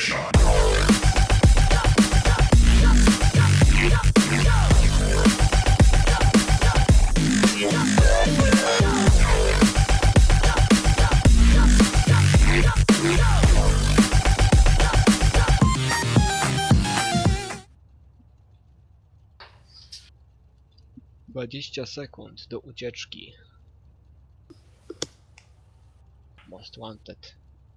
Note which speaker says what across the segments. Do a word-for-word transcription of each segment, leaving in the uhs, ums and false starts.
Speaker 1: dwadzieścia sekund do ucieczki. Most wanted.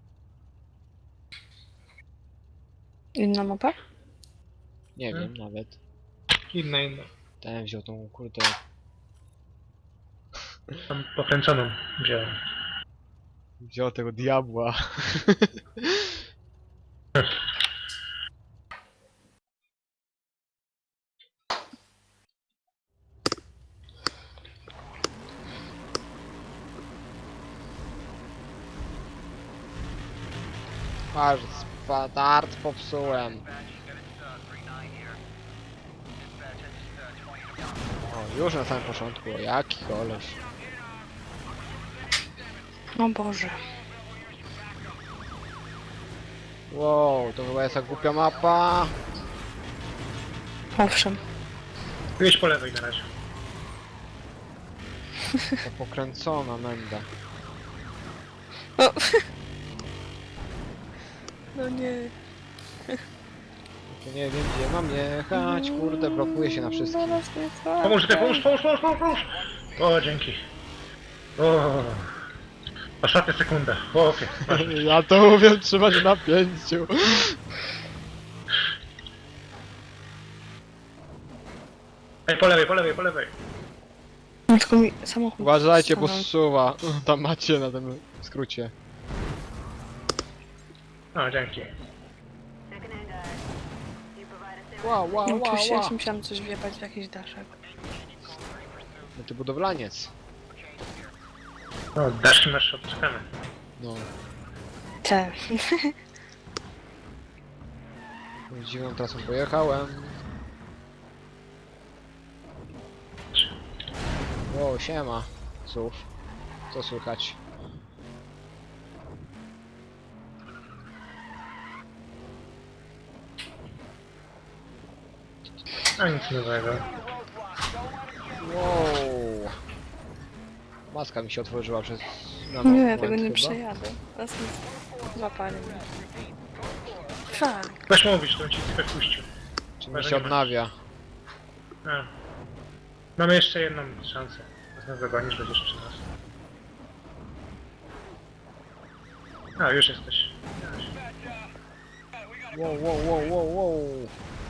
Speaker 2: Inna mapa?
Speaker 1: Nie
Speaker 3: Hmm?
Speaker 1: wiem nawet.
Speaker 3: Inna, inna.
Speaker 1: Ten wziął tą kurde.
Speaker 3: Tam pokręconą wziąłem.
Speaker 1: Wziął tego diabła. Aż spadart popsułem. O, już na samym początku, o, jaki koleś.
Speaker 2: O Boże.
Speaker 1: Wow, to chyba jest ta głupia mapa.
Speaker 2: Owszem.
Speaker 3: Jedź po lewej na razie.
Speaker 1: To pokręcona menda.
Speaker 2: O. No nie.
Speaker 1: To nie wiem gdzie mam jechać, kurde, blokuje się na wszystkim.
Speaker 2: Zaraz mnie złapie.
Speaker 3: Pomóż, ty, pomóż, pomóż, pomóż, pomóż, pomóż! O, dzięki. O, ostatnia sekunda. O, okej. Okay.
Speaker 1: Ja to umiem trzymać na pięciu.
Speaker 3: Ej, po lewej, po lewej, po lewej.
Speaker 2: No, tylko mi samochód
Speaker 1: Uważajcie, bo
Speaker 2: stanął.
Speaker 1: zsuwa. Tam macie na tym skrócie.
Speaker 3: O, dzięki.
Speaker 1: Wow, wow,
Speaker 2: No,
Speaker 1: wow,
Speaker 2: oczywiście ja
Speaker 1: wow.
Speaker 2: się musiałam coś wjebać w jakiś daszek.
Speaker 1: No ty budowlaniec.
Speaker 3: O, daszki masz, odczekamy.
Speaker 1: No.
Speaker 2: Te.
Speaker 1: Dziwną trasą pojechałem. Wow, siema. Cóż. Co słychać?
Speaker 3: A nic nowego.
Speaker 1: Wow. Maska mi się otworzyła przez... na
Speaker 2: Nie,
Speaker 1: moment
Speaker 2: tego nie
Speaker 1: chyba.
Speaker 2: przejadę. Raz mi złapali mnie. Fuck.
Speaker 3: Weź mówisz, to ci tylko puścił.
Speaker 1: Czy mi się odnawia?
Speaker 3: A. Mamy jeszcze jedną szansę. Znów dogonisz, będziesz przy nas. A, już jesteś.
Speaker 1: Wow, wow, wow, wow, wow.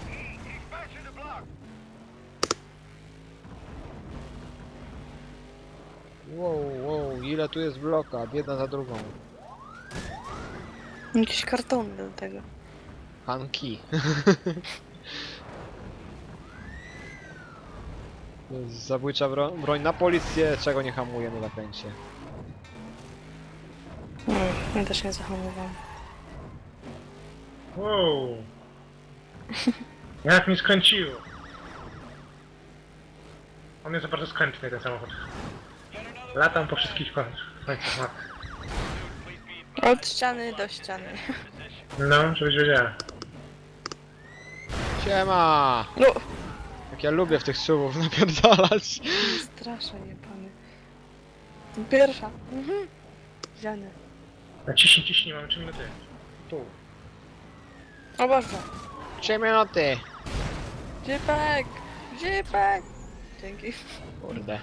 Speaker 1: Wow, wow, ile tu jest bloka, jedna za drugą.
Speaker 2: Jakieś kartony do tego.
Speaker 1: Hanki. To jest zabójcza bro broń na policję, czego nie hamuje na zakręcie.
Speaker 2: No, ja też nie zahamowałam.
Speaker 3: Wow. Jak mi skręciło. On jest bardzo skrętny, ten samochód. Latam po wszystkich końcach mapy.
Speaker 2: Od ściany do ściany.
Speaker 3: No, żebyś wiedziała.
Speaker 1: Siema!
Speaker 2: No!
Speaker 1: Jak ja lubię w tych suwów napierdalać.
Speaker 2: Straszę jebany. Pierwsza. Mhm. Ziany.
Speaker 3: Na ciśnij, ciśnij, mamy trzy minuty.
Speaker 1: Tu.
Speaker 2: O Boże.
Speaker 1: trzy minuty.
Speaker 2: Dzipek! Dzipek! Dzięki.
Speaker 1: Kurde.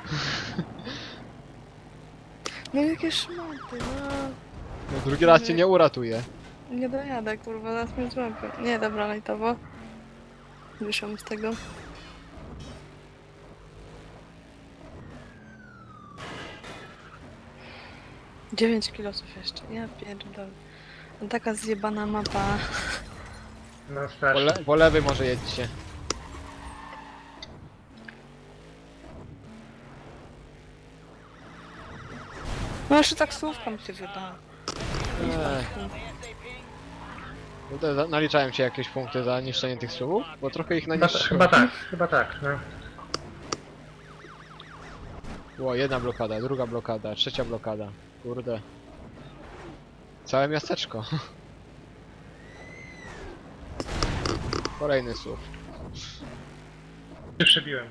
Speaker 2: No jakie szmaty, no.
Speaker 1: No, drugi raz cię nie uratuje.
Speaker 2: Nie dojadę, kurwa, zaraz mnie złapią. Nie, dobra, lajtowo. Wyszłam z tego. dziewięć kilosów jeszcze, ja pierdolę. No taka zjebana mapa.
Speaker 3: No
Speaker 1: Po,
Speaker 3: strasznie.
Speaker 1: le po lewej może jedźcie.
Speaker 2: No jeszcze taksówką się wydała.
Speaker 1: Eee. No to za- naliczałem ci jakieś punkty za niszczenie tych suwów? Bo trochę ich
Speaker 3: Chyba,
Speaker 1: naniszczyłem.
Speaker 3: chyba tak, chyba tak, no.
Speaker 1: Była jedna blokada, druga blokada, trzecia blokada. Kurde. Całe miasteczko. Kolejny S U V.
Speaker 3: Się przebiłem.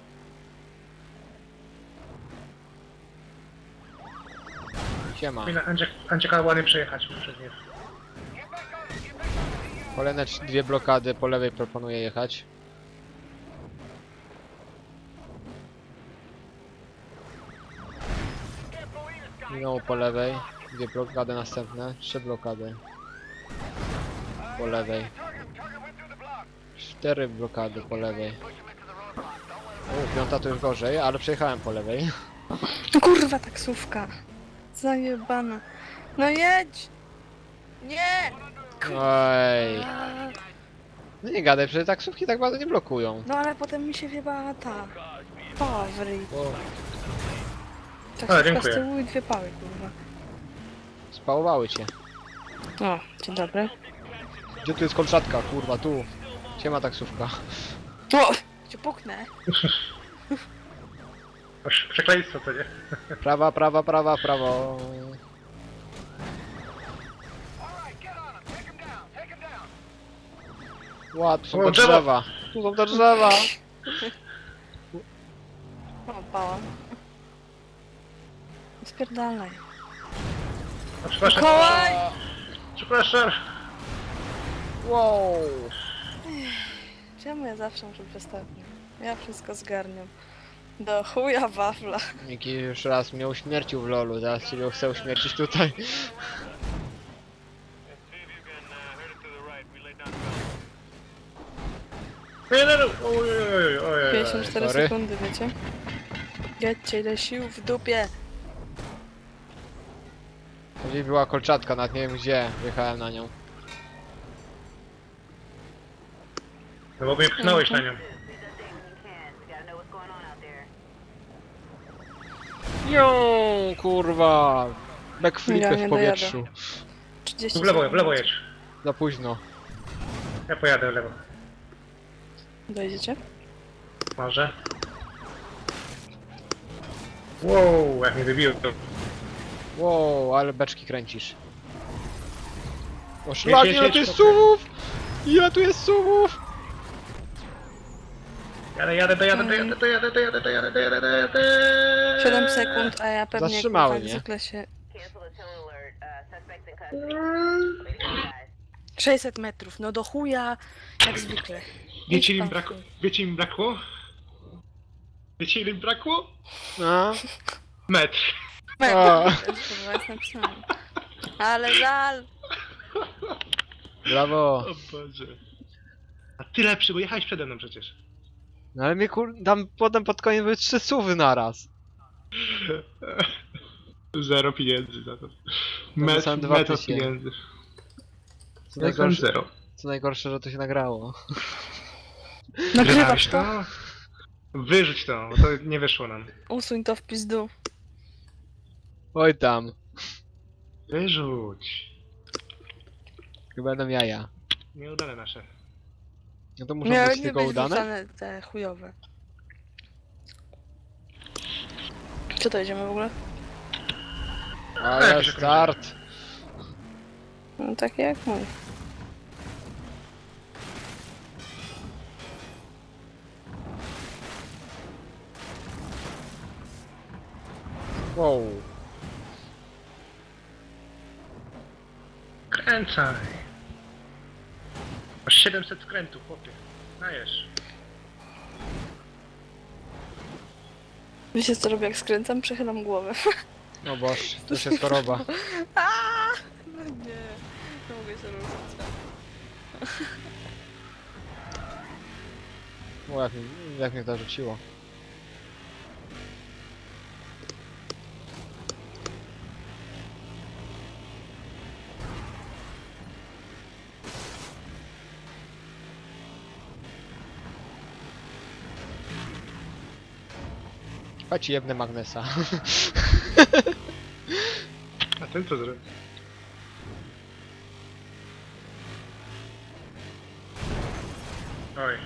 Speaker 1: Siema.
Speaker 3: Powinna Andziek, Andzieka ładnie przejechać przez nie.
Speaker 1: Kolejne trz- dwie blokady po lewej proponuję jechać. Minęło po lewej. Dwie blokady następne. Trzy blokady. Po lewej. Cztery blokady po lewej. O, piąta to już gorzej, ale przejechałem po lewej.
Speaker 2: No kurwa, taksówka. Zajebana. No jedź! Nie!
Speaker 1: Oj.
Speaker 2: A,
Speaker 1: No nie gadaj, przecież taksówki tak bardzo nie blokują.
Speaker 2: no ale potem mi się wjebała ta. Pała w ryj.
Speaker 1: Bo
Speaker 2: Taksówka z
Speaker 3: dziękuję.
Speaker 2: tyłu i dwie pały, kurwa.
Speaker 1: spałowały cię.
Speaker 2: O, dzień dobry.
Speaker 1: Gdzie tu jest kolczatka? Kurwa, tu. Siema taksówka.
Speaker 2: O! Cię puknę.
Speaker 3: Aż przekleństwo to nie?
Speaker 1: Prawa, prawa, prawa, prawo. Ła, tu są
Speaker 3: O,
Speaker 1: te
Speaker 3: drzewo!
Speaker 1: drzewa. Tu są te drzewa.
Speaker 2: O, pała. Spierdalaj.
Speaker 3: A przepraszam,
Speaker 2: Kołaj!
Speaker 3: przepraszam.
Speaker 1: Wow.
Speaker 2: Czemu ja zawsze muszę być ostatni? Ja wszystko zgarniam. Do chuja wafla.
Speaker 1: Miki już raz mnie uśmiercił w lolu, teraz ciebie chcę uśmiercić tutaj.
Speaker 3: Nie, nie, nie. Ojej, ojej, ojej.
Speaker 2: pięćdziesiąt cztery
Speaker 1: sorry.
Speaker 2: sekundy, wiecie? Jedźcie, ile sił w dupie.
Speaker 1: Gdzieś była kolczatka, nawet nie wiem gdzie. Wjechałem na nią.
Speaker 3: No bo mnie pchnąłeś na nią.
Speaker 1: Jo, kurwa. Backflipy
Speaker 2: Ja nie
Speaker 1: w powietrzu.
Speaker 2: trzydzieści
Speaker 3: W lewo, w
Speaker 2: sekund.
Speaker 3: lewo jedź.
Speaker 1: Za późno.
Speaker 3: Ja pojadę w lewo.
Speaker 2: Dojedziecie?
Speaker 3: Może. Wow, jak mnie wybiło to.
Speaker 1: Wow, ale beczki kręcisz. O
Speaker 3: Jedź,
Speaker 1: szlak,
Speaker 3: jedź,
Speaker 1: ile
Speaker 3: jedź,
Speaker 1: tu jest
Speaker 3: chłopie.
Speaker 1: suwów! Ile tu jest suwów!
Speaker 3: Jadę, jadę, dojadę, dojadę, dojadę, dojadę, dojadę, dojadę, dojadę.
Speaker 2: siedem sekund, a ja pewnie
Speaker 1: Zatrzymały
Speaker 2: kurwa,
Speaker 1: mnie.
Speaker 2: jak zwykle się... sześćset metrów, no do chuja, jak zwykle.
Speaker 3: Wiecie ile
Speaker 2: Idź
Speaker 3: im
Speaker 2: pan
Speaker 3: brakło?
Speaker 2: chuj.
Speaker 3: Wiecie im brakło? Wiecie ile im brakło?
Speaker 1: A?
Speaker 3: Metr.
Speaker 2: Metr,
Speaker 1: A.
Speaker 2: wiesz, kurwa, jest napisane. Ale żal.
Speaker 1: Brawo.
Speaker 3: O Boże. A ty lepszy, bo jechałeś przede mną przecież.
Speaker 1: No ale mnie kur... tam potem pod koniec były trzy suwy naraz.
Speaker 3: Zero pieniędzy za to.
Speaker 1: No to są
Speaker 3: Metr,
Speaker 1: dwa
Speaker 3: metr
Speaker 1: tysiące.
Speaker 3: pieniędzy.
Speaker 1: Co
Speaker 3: Ja mam
Speaker 1: najgorsze,
Speaker 3: zero.
Speaker 1: co najgorsze, że to się nagrało.
Speaker 2: Nagrywasz to?
Speaker 3: to? Wyrzuć to, bo to nie wyszło nam.
Speaker 2: Usuń to w pizdu.
Speaker 1: Oj tam.
Speaker 3: Wyrzuć.
Speaker 1: Chyba będą jaja.
Speaker 3: Nieudane nasze.
Speaker 1: No to muszą
Speaker 2: Miały
Speaker 1: być
Speaker 2: nie
Speaker 1: tylko
Speaker 2: być
Speaker 1: udane?
Speaker 2: wrzucane te chujowe. Co to jedziemy w ogóle?
Speaker 1: Ale
Speaker 3: Jakiś
Speaker 1: start.
Speaker 2: No takie jak mój.
Speaker 1: Wow.
Speaker 3: Kręcaj. Masz siedemset skrętów, chłopie. Dajesz.
Speaker 2: Wiecie co robię jak skręcam? Przechylam głowę.
Speaker 1: No boż, to już jest choroba.
Speaker 2: Aaaa! No nie, nie mogę się ruszyć.
Speaker 1: O, jak, mi- jak mnie to rzuciło. Chodź jebnę Magnesa.
Speaker 3: A ten co zrobił? Oj.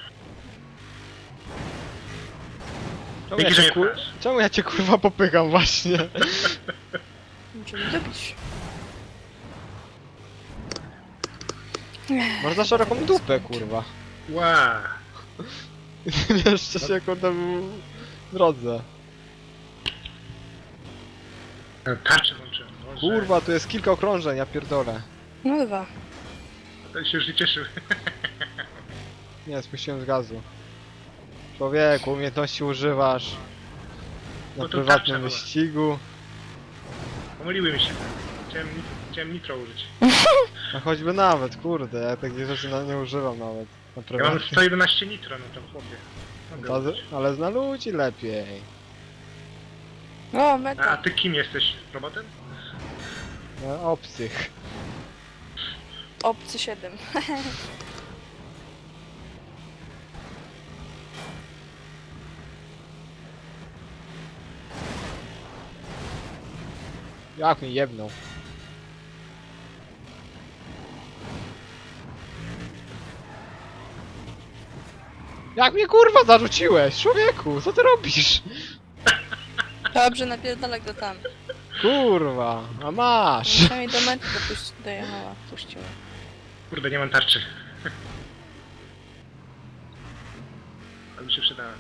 Speaker 1: Czemu ja,
Speaker 3: Dzięki, że
Speaker 1: cię,
Speaker 3: mnie
Speaker 1: kur...
Speaker 3: pchasz.
Speaker 1: Czemu ja cię kurwa popykam właśnie?
Speaker 2: Muszę mi dobić.
Speaker 1: Masz za szeroką dupę, kurwa.
Speaker 3: Ła!
Speaker 1: Jeszcze się kurde w drodze.
Speaker 3: Tarczę włączyłem. Boże.
Speaker 1: Kurwa, tu jest kilka okrążeń, ja pierdolę.
Speaker 2: No dwa.
Speaker 3: To się już nie cieszył.
Speaker 1: Nie, spuściłem z gazu. Człowieku, umiejętności używasz na
Speaker 3: No to
Speaker 1: prywatnym
Speaker 3: tarcza była.
Speaker 1: wyścigu.
Speaker 3: Pomyliły mi się. Chciałem, nit- chciałem nitro użyć.
Speaker 1: A choćby nawet, kurde, ja takich rzeczy na, nie używam nawet. Na
Speaker 3: Ja mam
Speaker 1: prywatnym.
Speaker 3: sto jedenaście nitro, no to chłopie. Mogę
Speaker 1: Ta-
Speaker 3: użyć.
Speaker 1: Ale zna ludzi lepiej.
Speaker 2: O,
Speaker 3: A,
Speaker 2: meta.
Speaker 3: a ty kim jesteś? Robotem?
Speaker 1: No, obcych.
Speaker 2: Obcy siedem.
Speaker 1: Jak mi jebnął. Jak mnie kurwa zarzuciłeś? Człowieku, co ty robisz?
Speaker 2: Dobrze, napierdalaj go tam.
Speaker 1: Kurwa, a masz.
Speaker 2: Przynajmniej do mety dopuści, dojechała, puściła.
Speaker 3: Kurde, nie mam tarczy. Ale mi się przydała.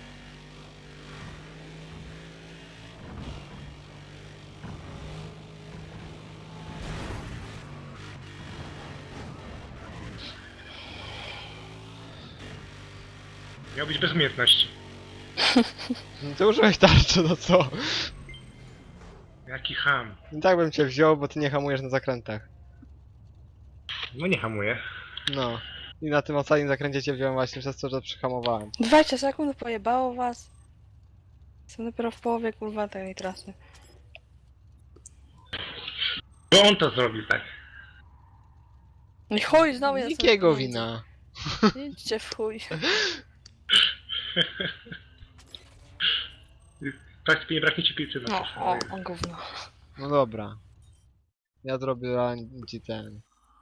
Speaker 3: Miał być bez umiejętności.
Speaker 1: No ty użyłeś tarczy, no co?
Speaker 3: Jaki ham.
Speaker 1: I tak bym cię wziął, bo ty nie hamujesz na zakrętach.
Speaker 3: No nie hamuje.
Speaker 1: No. I na tym ostatnim zakręcie cię wziąłem właśnie przez to, że przyhamowałem.
Speaker 2: dwadzieścia sekund pojebało was. Jestem dopiero w połowie kurwa tej trasy.
Speaker 3: Bo on to zrobił, tak.
Speaker 2: I chuj, znowu ja
Speaker 1: Nikiego wina.
Speaker 2: Idźcie w chuj.
Speaker 3: Praktycznie nie braknie ci piłcy na
Speaker 2: No, o, o gówno.
Speaker 1: No dobra. Ja zrobię ci ten.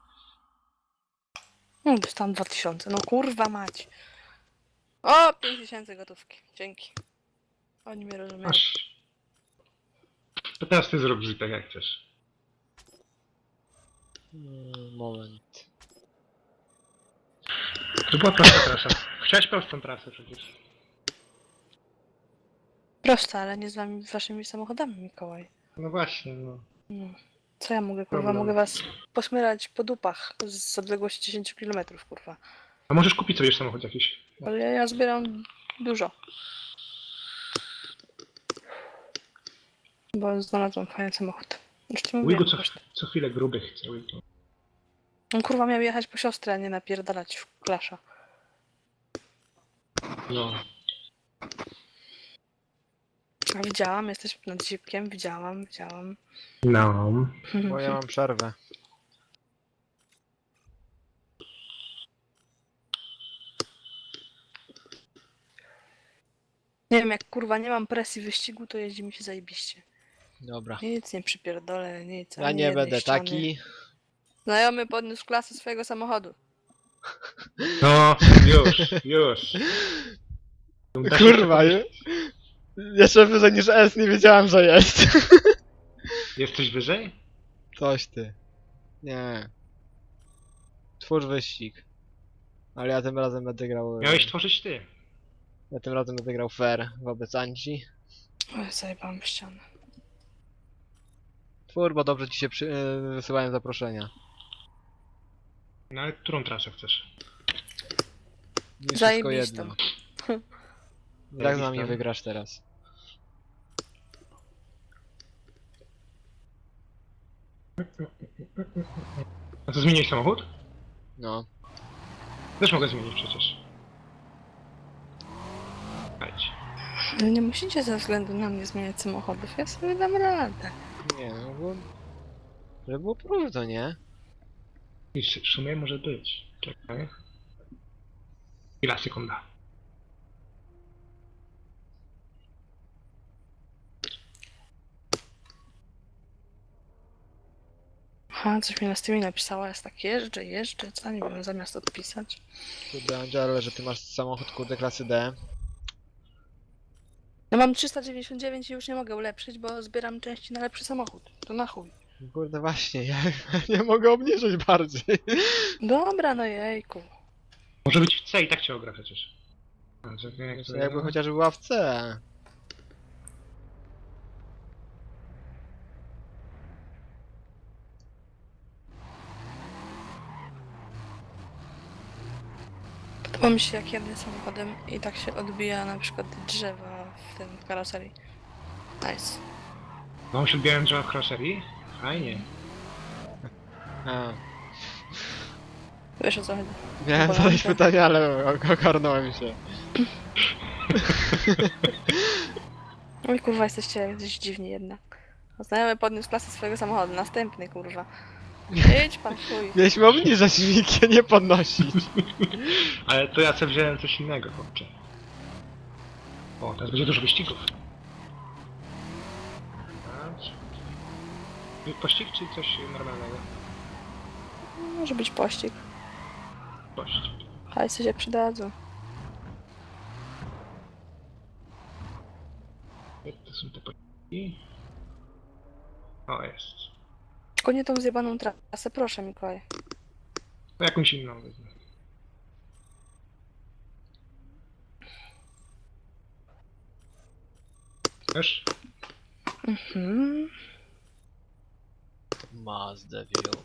Speaker 2: No, dostałam dwa tysiące, no kurwa mać. O, pięć tysięcy gotówki, dzięki. Oni mnie rozumieją.
Speaker 3: Masz. To teraz ty zrobisz tak jak chcesz.
Speaker 1: Mm, Moment.
Speaker 3: To była prosta trasa. Chciałeś prostą trasę przecież.
Speaker 2: Proste, ale nie z wami, waszymi samochodami, Mikołaj.
Speaker 3: No właśnie, no.
Speaker 2: No. Co ja mogę, kurwa?
Speaker 3: Problem.
Speaker 2: Mogę was posmyrać po dupach z odległości dziesięć kilometrów, kurwa.
Speaker 3: A możesz kupić sobie samochód jakiś.
Speaker 2: Ale ja, ja zbieram dużo. Bo znalazłam fajny samochód. Już ci mówiłem.
Speaker 3: Wigo co,
Speaker 2: koszty.
Speaker 3: co chwilę gruby chce. Wigo.
Speaker 2: On kurwa miał jechać po siostrę, a nie napierdalać w klasza.
Speaker 3: No.
Speaker 2: A widziałam, jesteś nad zipkiem, widziałam, widziałam.
Speaker 3: No.
Speaker 1: Bo ja mam przerwę.
Speaker 2: Nie wiem, jak kurwa nie mam presji wyścigu, to jeździ mi się zajebiście.
Speaker 1: Dobra.
Speaker 2: Nic nie przypierdolę, nic.
Speaker 1: Ja
Speaker 2: ani
Speaker 1: nie
Speaker 2: jednej
Speaker 1: będę
Speaker 2: ściany.
Speaker 1: taki.
Speaker 2: Znajomy podniósł klasę swojego samochodu.
Speaker 3: No, już, już. Da się
Speaker 1: Kurwa,
Speaker 3: przekonać.
Speaker 1: jeszcze wyżej niż S nie wiedziałem, że jest.
Speaker 3: Jesteś wyżej?
Speaker 1: Coś ty. Nie. Twórz wyścig. Ale ja tym razem będę grał...
Speaker 3: Miałeś tworzyć ty.
Speaker 1: Ja tym razem będę grał fair wobec Anci.
Speaker 2: Oj, zajebałam w ścianę.
Speaker 1: Twór, bo dobrze ci się przy... yy, wysyłałem zaproszenia.
Speaker 3: No ale którą trasę chcesz?
Speaker 1: Mi wszystko
Speaker 2: Zajebistą.
Speaker 1: jedno. Jak z nami
Speaker 3: Zajebistą.
Speaker 1: wygrasz teraz?
Speaker 3: A to zmieniłeś samochód?
Speaker 1: No.
Speaker 3: Też mogę zmienić przecież. Chodź.
Speaker 2: Ale nie musicie ze względu na mnie zmieniać samochodów, ja sobie dam radę.
Speaker 1: Nie, no bo... Żeby było próżno, nie?
Speaker 3: I w sumie może być. Czekaj. Chwila, sekunda.
Speaker 2: Aha, coś mi na Steamie napisała, jest tak jeżdżę, jeżdżę, co nie wiem, zamiast odpisać.
Speaker 1: Kurde, Angelo, że ty masz samochód kurde klasy D.
Speaker 2: No mam trzysta dziewięćdziesiąt dziewięć i już nie mogę ulepszyć, bo zbieram części na lepszy samochód. To na chuj.
Speaker 1: Kurde właśnie, ja nie mogę obniżyć bardziej.
Speaker 2: Dobra, no jejku.
Speaker 3: Może być w C i tak cię ogra przecież. A, czekaj, jak
Speaker 1: Jeszcze
Speaker 3: to
Speaker 1: jakby
Speaker 3: ja-
Speaker 1: chociaż była w C.
Speaker 2: Podoba mi się jak jadę samochodem i tak się odbija na przykład drzewa w tym karoserii. Nice.
Speaker 3: Mam się odbijałem drzewa w karoserii? Fajnie.
Speaker 1: A,
Speaker 2: Wiesz o co chodzi?
Speaker 1: miałem
Speaker 2: Polankę.
Speaker 1: zadać pytanie, ale o- ogarnąłem się.
Speaker 2: Oj kurwa, jesteście jacyś dziwni jednak. Znajomy podniósł klasę swojego samochodu. Następny kurwa. Idź pan chuj.
Speaker 1: Mieliśmy obniżać Mikie, nie podnosić.
Speaker 3: Ale to ja sobie wziąłem coś innego, chłopcze. O, teraz będzie dużo wyścigów. Patrz. Pościg czy coś normalnego?
Speaker 2: Może być pościg.
Speaker 3: Pościg.
Speaker 2: Hajsy się przydadzą.
Speaker 3: Jak to są te pościgi? O, jest.
Speaker 2: Tylko nie tą zjebaną trasę, proszę Mikołaj.
Speaker 3: To jakąś inną wezmę. Wiesz?
Speaker 2: Mhm.
Speaker 1: Mazda wziął.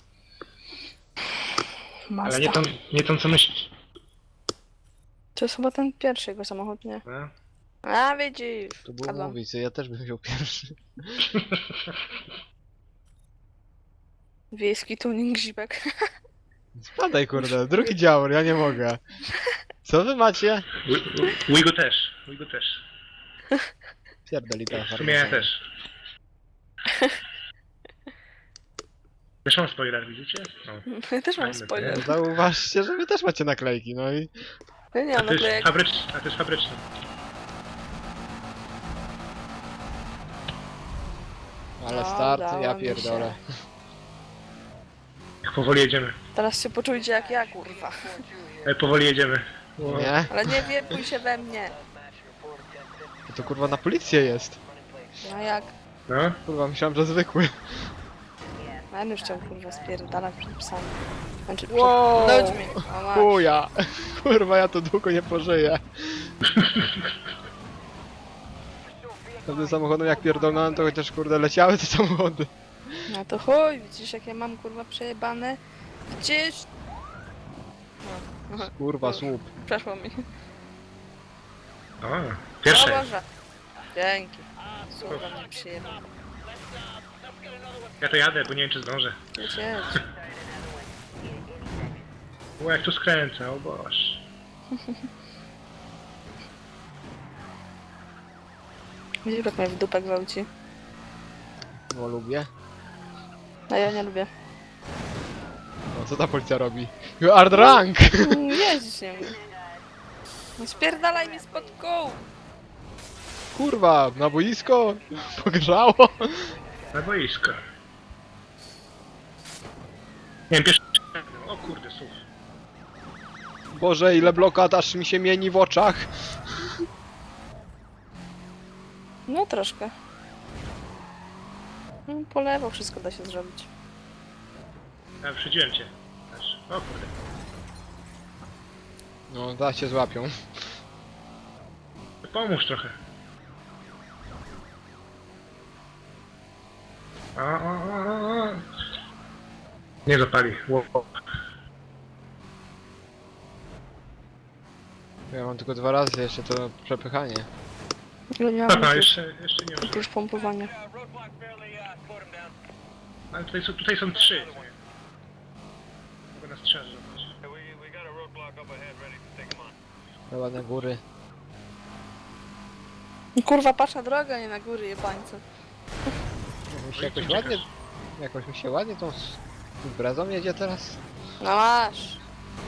Speaker 2: Mazda.
Speaker 3: Ale nie tą, nie tą co myślisz.
Speaker 2: To jest chyba ten pierwszy jego samochód, nie?
Speaker 3: No?
Speaker 2: A widzisz.
Speaker 1: To było
Speaker 2: Padłam.
Speaker 1: mówić, ja też bym wziął pierwszy.
Speaker 2: Wiejski tuning zipek.
Speaker 1: Spadaj kurde, drugi dział, ja nie mogę. Co wy macie?
Speaker 3: Wigo też. Wigo też.
Speaker 1: Pierdoli ta
Speaker 3: W sumie ja też. Też mam spoiler, widzicie? No.
Speaker 2: Ja też mam
Speaker 3: Fajne,
Speaker 2: spoiler.
Speaker 1: Zauważcie, że wy też macie naklejki, no i...
Speaker 2: Ja nie
Speaker 3: A
Speaker 2: mam
Speaker 3: to jest
Speaker 2: naklejek.
Speaker 3: fabryczny, a to jest fabryczny.
Speaker 1: Ale
Speaker 2: No,
Speaker 1: start,
Speaker 2: udało
Speaker 1: ja
Speaker 2: mi
Speaker 1: pierdolę.
Speaker 3: Jak powoli jedziemy.
Speaker 2: Teraz się poczujcie jak ja, kurwa.
Speaker 3: Ale powoli jedziemy.
Speaker 1: Nie?
Speaker 2: Ale nie wiepuj się we mnie.
Speaker 1: To kurwa na policję jest.
Speaker 2: No jak?
Speaker 3: No?
Speaker 1: Kurwa, myślałem, że zwykły.
Speaker 2: Ja już chciał kurwa spierdalać przed psami. Znaczy przed
Speaker 1: Wow.
Speaker 2: ludźmi. O masz.
Speaker 1: Chuja! Kurwa, ja to długo nie pożyję. Tym samochodem jak pierdolnąłem, to chociaż kurde leciały te samochody.
Speaker 2: No to chuj, widzisz jak ja mam kurwa przejebane? Gdzieś... No. Aha.
Speaker 1: Kurwa, słup.
Speaker 2: Przeszło mi.
Speaker 3: O,
Speaker 2: O
Speaker 3: pierwsze.
Speaker 2: Boże. Dzięki. Słucham, mnie przyjemnie.
Speaker 3: Ja to jadę, bo nie wiem czy zdążę.
Speaker 2: Jedź, jedź.
Speaker 3: O, jak tu skręcę, o boż.
Speaker 2: Widzisz jak mnie w dupę gwałci.
Speaker 1: No lubię.
Speaker 2: A ja nie lubię.
Speaker 1: No co ta policja robi? You are drunk!
Speaker 2: Mm, Jeździć nie umiem. No spierdalaj mi spod kół!
Speaker 1: Kurwa, na boisko? Pogrzało?
Speaker 3: Na boisko. Nie wiem, pierwszy... O kurde, słuch.
Speaker 1: Boże, ile blokad aż mi się mieni w oczach.
Speaker 2: No troszkę. No, po lewo wszystko da się zrobić.
Speaker 3: Ja wyprzedziłem cię. Też. O kurde.
Speaker 1: No, da się złapią.
Speaker 3: Pomóż trochę. O, o, o, o. Nie zapali. Ło.
Speaker 1: Ja mam tylko dwa razy jeszcze to przepychanie.
Speaker 2: Ja nie mam
Speaker 3: Aha,
Speaker 2: oprócz,
Speaker 3: jeszcze, jeszcze nie użyłem.
Speaker 2: oprócz pompowania.
Speaker 3: Ale tutaj są, tutaj są trzy. Mogę nas trzeba zrobić.
Speaker 1: Chyba na góry.
Speaker 2: Kurwa, patrz na drogę, a nie na góry, jebańce.
Speaker 1: Mi się jakoś ładnie... Jakoś mi się ładnie tą s- imprezą jedzie teraz.
Speaker 2: No masz.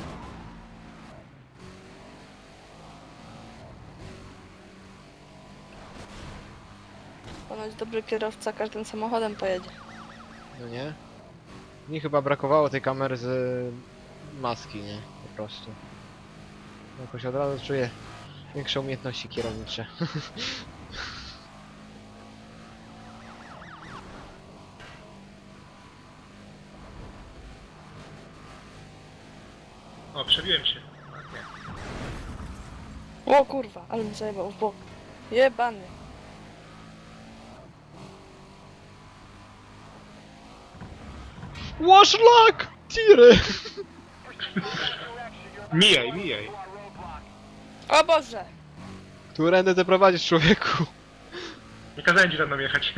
Speaker 2: Ponoć dobry kierowca każdym samochodem pojedzie.
Speaker 1: No nie? Mi chyba brakowało tej kamery z maski, nie? Po prostu. Jakoś od razu czuję większe umiejętności kierownicze.
Speaker 3: O, przebiłem się. Ładnie.
Speaker 2: O kurwa, ale mi zajebał w bok. Jebany.
Speaker 1: Łaszlak! Tiry!
Speaker 3: Mijaj, mijaj.
Speaker 2: O Boże!
Speaker 1: Którędy ty prowadzisz, człowieku?
Speaker 3: Nie kazałem ci za mną jechać.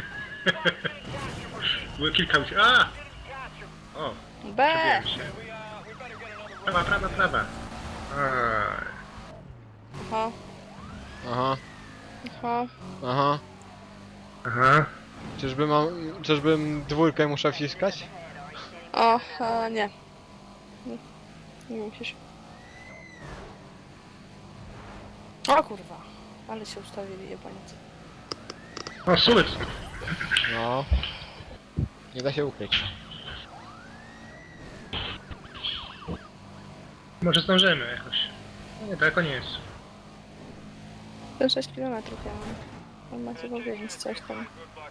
Speaker 3: Było kilka uciek. A! O,
Speaker 2: B!
Speaker 3: przebiłem się. Prawa, prawa, prawa. A,
Speaker 2: Aha,
Speaker 1: Aha,
Speaker 2: aha.
Speaker 1: aha.
Speaker 3: aha.
Speaker 1: Czyżby mam... Czyżbym dwójkę muszę wciskać?
Speaker 2: O, a, nie. Nie, nie musisz. O kurwa, ale się ustawili jebaniec.
Speaker 3: O, sułec.
Speaker 1: No. Nie da się ukryć.
Speaker 3: Może zdążymy jakoś. No nie, daleko nie jest.
Speaker 2: To sześć kilometrów ja mam. On macie powiedzieć coś tam.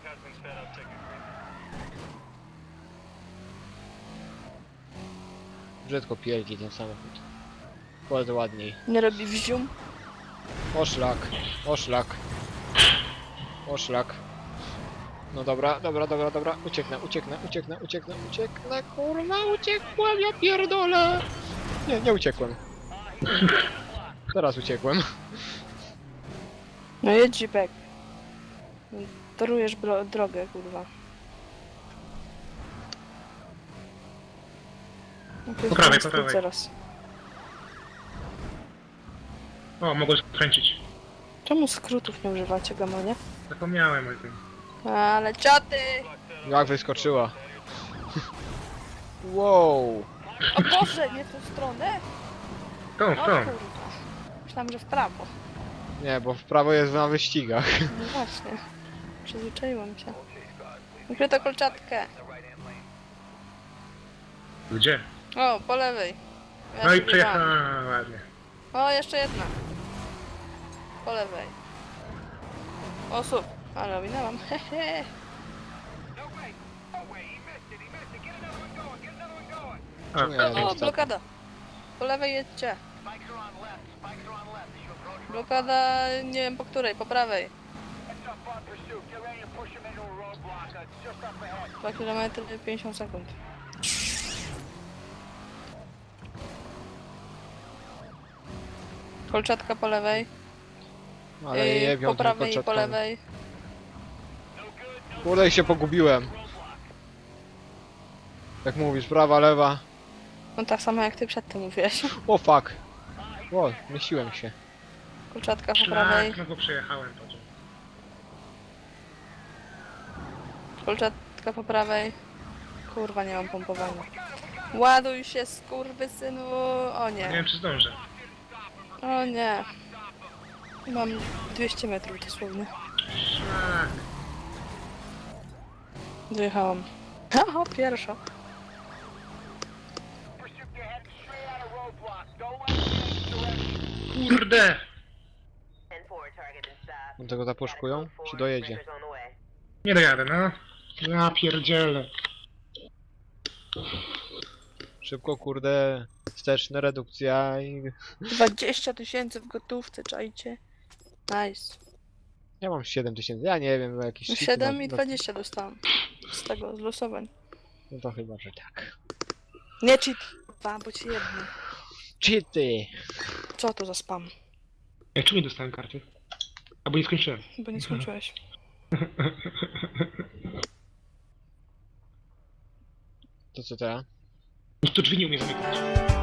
Speaker 1: Brzydko pierdzi ten samochód. Bardzo ładniej.
Speaker 2: Nie robi wzium.
Speaker 1: O szlak, o szlak. O szlak. No dobra, dobra, dobra, dobra. Ucieknę, ucieknę, ucieknę, ucieknę, ucieknę. Kurwa, uciekłem, ja pierdolę. Nie, nie uciekłem. Teraz uciekłem.
Speaker 2: No jedź Jeepek. Torujesz bro- drogę, kurwa. No to jest
Speaker 3: Po prawej,
Speaker 2: ten
Speaker 3: po
Speaker 2: skrót
Speaker 3: prawej.
Speaker 2: zaraz.
Speaker 3: O, mogę skręcić.
Speaker 2: Czemu skrótów nie używacie, gamonie?
Speaker 3: Zapomniałem o tym.
Speaker 2: Ale cioty!
Speaker 1: Jak wyskoczyła. Wow.
Speaker 2: O Boże, nie w tą stronę?
Speaker 3: Tą,
Speaker 2: O
Speaker 3: tą.
Speaker 2: kurwa. Myślałam, że w prawo.
Speaker 1: Nie, bo w prawo jest na wyścigach.
Speaker 2: No właśnie. Przyzwyczaiłam się. Ukryto kolczatkę.
Speaker 3: Gdzie?
Speaker 2: O, po lewej. Ja
Speaker 3: No i
Speaker 2: się
Speaker 3: przejechałem.
Speaker 2: biegałam.
Speaker 3: Ładnie.
Speaker 2: O, jeszcze jedna. Po lewej. Osób. Ale ominęłam. Hehe.
Speaker 3: A,
Speaker 1: Czemu ja
Speaker 2: O,
Speaker 1: jadę
Speaker 2: o,
Speaker 1: w
Speaker 2: blokada. Po lewej jedźcie. Blokada, nie wiem po której, po prawej. dwa kilometry, pięćdziesiąt sekund. Kolczatka po lewej.
Speaker 1: Ale
Speaker 2: Yy,
Speaker 1: jebią
Speaker 2: po prawej i po
Speaker 1: kolczatkami.
Speaker 2: lewej.
Speaker 1: Kurde, i się pogubiłem. Jak mówisz, prawa, lewa.
Speaker 2: No tak samo jak ty przedtem mówiłeś.
Speaker 1: O fuck. O, mieściłem się.
Speaker 2: Kolczatka po prawej.
Speaker 3: szlak, no bo przejechałem to.
Speaker 2: Kolczatka po prawej. Kurwa, nie mam pompowania. Ładuj się, skurwysynu. O
Speaker 3: Nie
Speaker 2: nie.
Speaker 3: wiem, czy zdążę.
Speaker 2: O nie. Mam dwieście metrów dosłownie.
Speaker 3: Szlak.
Speaker 2: Dojechałam. Aha, pierwsza.
Speaker 3: Kurde!
Speaker 1: On tego zapuszkują? Czy dojedzie?
Speaker 3: Nie dojadę, no. Ja pierdzielę.
Speaker 1: Szybko, kurde. Wsteczna redukcja i...
Speaker 2: dwadzieścia tysięcy w gotówce, czajcie. Nice.
Speaker 1: Ja mam siedem tysięcy, ja nie wiem, jakieś... cheaty
Speaker 2: siedem
Speaker 1: na-
Speaker 2: i
Speaker 1: na-
Speaker 2: dwadzieścia dostałam. Z tego, z losowań.
Speaker 1: No to chyba, że tak.
Speaker 2: Nie cheat, dwa, bo ci jedno.
Speaker 1: Cheaty!
Speaker 2: Co to za spam?
Speaker 3: Ja czemu nie dostałem karty? Albo nie skończyłem.
Speaker 2: Bo nie skończyłeś.
Speaker 1: To co teraz?
Speaker 3: Nikt tu drzwi nie umie zamykać.